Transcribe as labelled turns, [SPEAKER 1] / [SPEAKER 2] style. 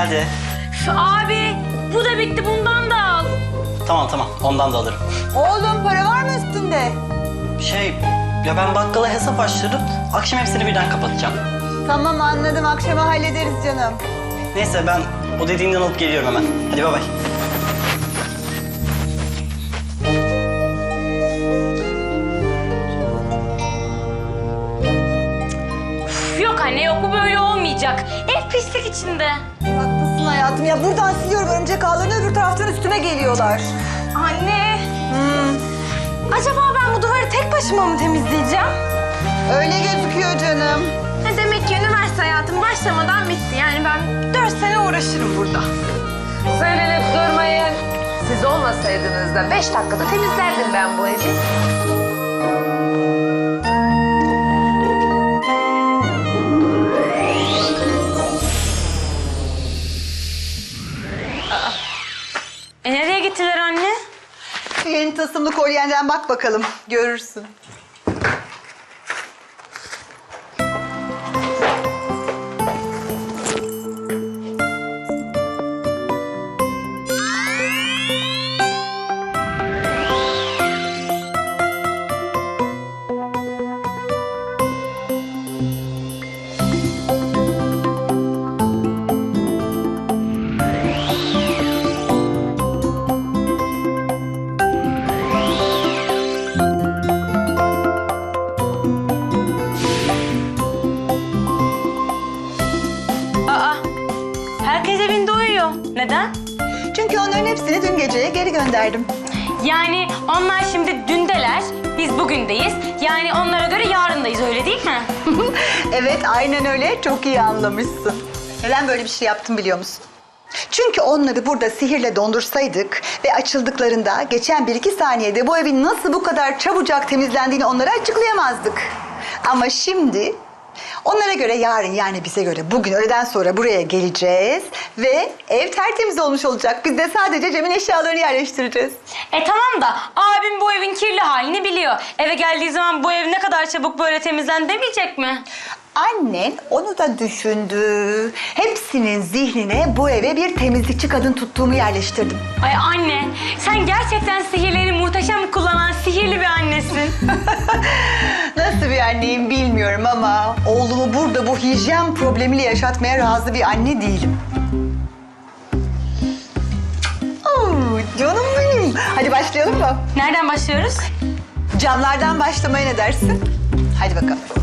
[SPEAKER 1] Geldi.
[SPEAKER 2] Abi bu da bitti, bundan da al.
[SPEAKER 1] Tamam ondan da alırım.
[SPEAKER 3] Oğlum para var mı üstünde?
[SPEAKER 1] Ya ben bakkala hesap açtırdım. Akşam hepsini birden kapatacağım.
[SPEAKER 3] Tamam anladım, akşama hallederiz canım.
[SPEAKER 1] Neyse ben o dediğinden alıp geliyorum hemen. Hadi bay bay.
[SPEAKER 2] Yok anne yok, bu böyle olmayacak. Ev pislik içinde.
[SPEAKER 3] Haklısın hayatım ya, buradan siliyorum örümcek ağlarını, öbür taraftan üstüme geliyorlar.
[SPEAKER 2] Anne. Acaba ben bu duvarı tek başıma mı temizleyeceğim?
[SPEAKER 3] Öyle gözüküyor canım.
[SPEAKER 2] Demek ki üniversite hayatım başlamadan bitti. Yani ben 4 sene uğraşırım burada.
[SPEAKER 4] Söylenip durmayın. Siz olmasaydınız da 5 dakikada temizlerdim ben bu evi.
[SPEAKER 2] Nereye gittiler anne?
[SPEAKER 3] Yeni tasımlı kolyenden bak bakalım, görürsün.
[SPEAKER 2] Herkes evinde uyuyor. Neden?
[SPEAKER 3] Çünkü onların hepsini dün geceye geri gönderdim.
[SPEAKER 2] Yani onlar şimdi dündeler, biz bugündeyiz. Yani onlara göre yarındayız, öyle değil mi?
[SPEAKER 3] Evet, aynen öyle. Çok iyi anlamışsın. Neden böyle bir şey yaptım biliyor musun? Çünkü onları burada sihirle dondursaydık ve açıldıklarında geçen 1-2 saniyede bu evin nasıl bu kadar çabucak temizlendiğini onlara açıklayamazdık. Ama şimdi onlara göre yarın, yani bize göre bugün öğleden sonra buraya geleceğiz ve ev tertemiz olmuş olacak. Biz de sadece Cem'in eşyalarını yerleştireceğiz.
[SPEAKER 2] Tamam da abim bu evin kirli halini biliyor. Eve geldiği zaman bu ev ne kadar çabuk böyle temizlen demeyecek mi?
[SPEAKER 3] Annen onu da düşündü. Hepsinin zihnine bu eve bir temizlikçi kadın tuttuğumu yerleştirdim.
[SPEAKER 2] Ay anne, sen gerçekten sihirlerini muhteşem kullanan sihirli bir annesin.
[SPEAKER 3] Nasıl bir anneyim bilmiyorum ama oğlumu burada bu hijyen problemiyle yaşatmaya razı bir anne değilim. Oo, canım benim. Hadi başlayalım mı?
[SPEAKER 2] Nereden başlıyoruz?
[SPEAKER 3] Camlardan başlamaya ne dersin? Hadi bakalım.